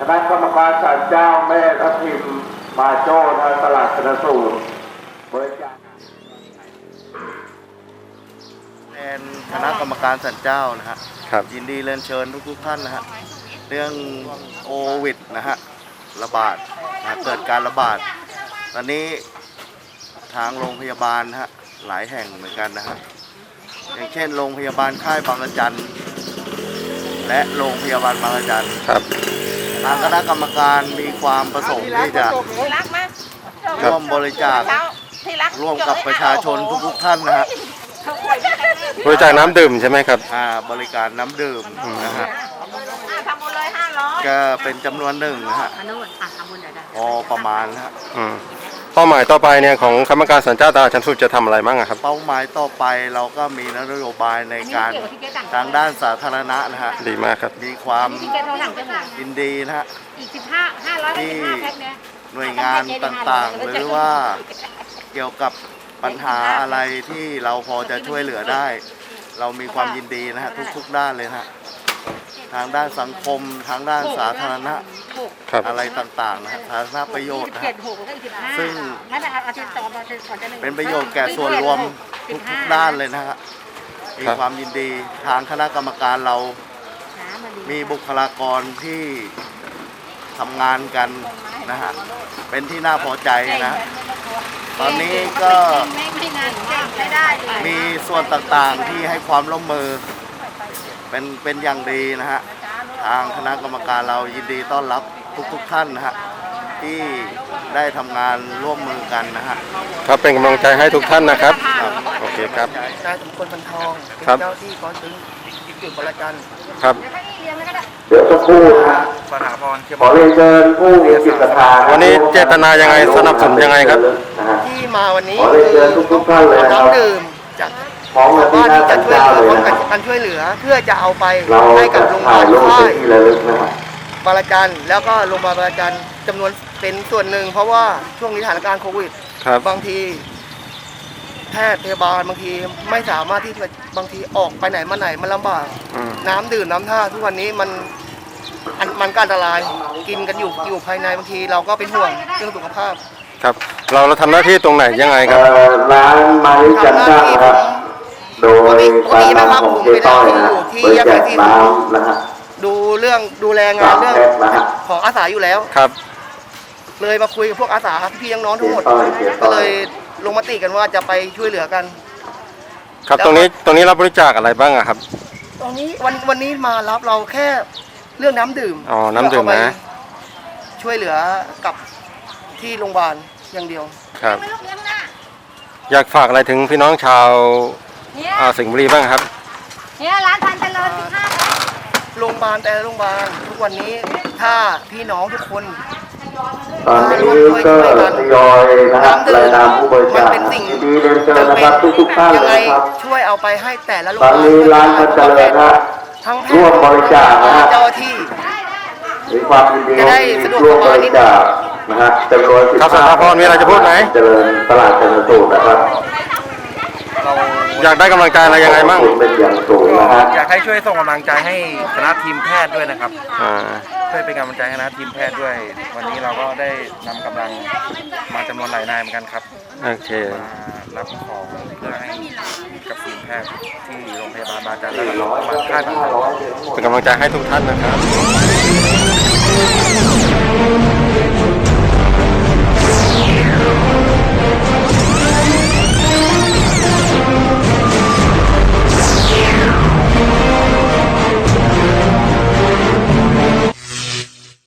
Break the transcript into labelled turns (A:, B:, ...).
A: ณะกรรมการศาลเจ้าแม่ทัพทิมมาโจ้ทางตลาดชนสูตรบริจาค
B: แทนคณะกรรมการศาลเจ้านะฮะ
C: ครับ
B: ยินดีเรียนเชิญทุกท่านนะฮะเรื่องโควิดนะฮะระบาดนะเกิดการระบาดตอนนี้ทางโรงพยาบาลนะฮะหลายแห่งเหมือนกันนะฮะอย่างเช่นโรงพยาบาลค่ายบางระจันและโรงพยาบาลบางระจัน
C: ครับ
B: ทางคณะกรรมการมีความประสงค์ที่จะร่วมบริจาคร่วมกับประชาชนทุกท่านนะฮะ
C: บริจาคน้ำดื่มใช่ไหมครับ
B: บริการน้ำดื่มนะฮะ
D: ทำบุญเลย500
B: ก็เป็นจำนวนหนึ่งนะฮะพอประมาณนะฮะ
C: เป้าหมายต่อไปเนี่ยของคณะกรรมการศาลเจ้าตลาดชั้นสูตรจะทำอะไรบ้างครับ
B: เป้าหมายต่อไปเราก็มีนโยบายในการทางด้านสาธารณะนะฮะ
C: ดีมากครับ
B: มีความยินดีนะฮะ
D: อีก500
B: ที่
D: แพ็คเนี่ย
B: หน่วยงานต่างๆ หรือว่าเกี่ยวกับปัญหาอะไรที่เราพอจะช่วยเหลือได้ เรามีความยินดีนะฮะทุกๆด้านเลยนะฮะทางด้านสังคมทางด้านสาธารณะ
C: ครับ
B: อะไรต่างๆนะฮะสาธารณประโยชน์นะฮะซึ่งเป็นประโยชน์แก่ส่วนรวมทุกๆด้านเลยนะฮะมีความยินดีทางคณะกรรมการเรามีบุคลากรที่ทำงานกันนะฮะเป็นที่น่าพอใจนะตอนนี้ก็มีส่วนต่างๆที่ให้ความร่วมมือเป็นอย่างดีนะฮะทางคณะกรรมการเรายินดีต้อนรับทุกท่านนะฮะที่ได้ทำงานร่วมมือกันนะฮะ
C: ครับเป็นกำลังใจให้ทุกท่านนะครับโอเคครับ
E: นายสมควรพันทองเป็น
C: ครับ
E: เจ้าที่กองทุนจุดบริการ
C: ครับ
A: เดี๋ยวสักครู่นะฮะ
E: สถาพร
A: ขอเรียนเชิญผู้มีจิตศรัทธา
C: วันนี้เจตนายังไงสนับสนุนยังไงครับ
A: นะฮะ
E: ที่มาวันนี้
A: ขอเรียนเชิญทุกท่านเลยนะครับ
E: น้ำดื่มจาก
A: ของมา
E: ชาว
A: ที่
E: บ้าน
A: หน้า
E: ที่
A: ศา
E: จะ
A: ล
E: ช่วย
A: เจ้า
E: เหลื
A: เล
E: อย
A: นะครับ
E: การช่วยเหลือเพื่อจะเอาไป
A: เรา
E: ให้กับ
A: จะ
E: โรงพยา
A: ถ่า
E: บาย ล
A: รูป
E: ค่า
A: เป็น
E: ย
A: ที่ระลึกนะครับ
E: บางระจันแล้วก็โรงพยาบาลบางระจันจำนวนเป็นส่วนหนึ่งเพราะว่าช่วงนี้สถานการณ์โควิด
C: ครับ
E: บางทีแพทย์พยาบาลบางทีไม่สามารถที่จะบางทีออกไปไหนมาไหนมันลำบาก น้ำดื่มน้ำท่าทุกวันนี้มันก็อันตรายกินกันอยู่ภายในบางทีเราก็เป็นห่วงเรื่องสุขภาพ
C: ครับเราทำหน้าที่ตรงไหนยังไงครับ
A: ร้านมาริจันทร์นะครับ โดยการนำของเจ๊ต้อยนะฮะบริจาคน้ำนะฮะ
E: ดูแลงานเรื่อง
A: แพ็คนะฮะ
E: ของอาสาอยู่แล้ว
C: ครับ
E: เลยมาคุยกับพวกอาสาพี่น้องๆทั้งหมด
A: เจ๊ต้อย
E: ก็เลยลงมติกันว่าจะไปช่วยเหลือกัน
C: ครับตรงนี้รับบริจาคอะไรบ้างอะครับ
E: ตรงนี้วันนี้มารับเราแค่เรื่องน้ำดื่ม
C: อ๋อน้ำดื่มนะ
E: เพื่อเอาไปช่วยเหลือกับที่โรงพยาบาลอย่างเดียว
C: ครับ อยากฝากอะไรถึงพี่น้องชาว
D: เนี่ย
C: สิงห์บุรีบ้างครับ
D: เนี่ยร้านทันเจริญ15แพ็ค
E: โรงพยาบาลแต่ละโรงพยาบาลทุกวันนี้ถ้าพี่น้องทุกคน
A: ตอนนี้ก็ทยอยนะฮะรายนามผู้บริจาคดีเรียนเชิญนะครับทุกท่าน
E: ยัง
A: เล
E: ไง
A: ยครับ
E: ช่วยเอาไปให้แต่ละโรง
A: ต
E: พ
A: อน
E: ยาบาล
A: นี้ร้านมันเจริญนะฮะ
E: ทั้งแพท
A: ร่วม
E: ย์
A: บริจาคนะฮะ
E: เจ้าหน้าที่
A: มีความยินดี
E: จะได้สะดวก
A: ร่วม
E: ส
A: บ
E: บายนิ
A: ริ
E: ดนึง
A: จาคนะฮะจำนวน
C: ครับสถาพรมีอะไรจะพูดไหม
A: เจริญตลาดชนสูตรนะครับ
C: อยากได้กำลังใจอะไรยังไงบ้าง
A: ขอบคุณเป็นอย่างสูงนะฮะ
F: อยากให้ช่วยส่งกำลังใจให้คณะทีมแพทย์ด้วยนะครับ
C: อ่า
F: ช่วยเป็นกำลังใจให้คณะทีมแพทย์ด้วย วันนี้เราก็ได้นำกำลังมาจำนวนหลายนายเหมือนกันครับ
C: โอเค
F: มารับของเพื่อให้กับทีมแพทย์ที่โรงพยาบาลบางจันทร์และโรงพยาบาลค่ายบางจันทร์
C: เป็นกำลังใจให้ทุกท่านนะครับ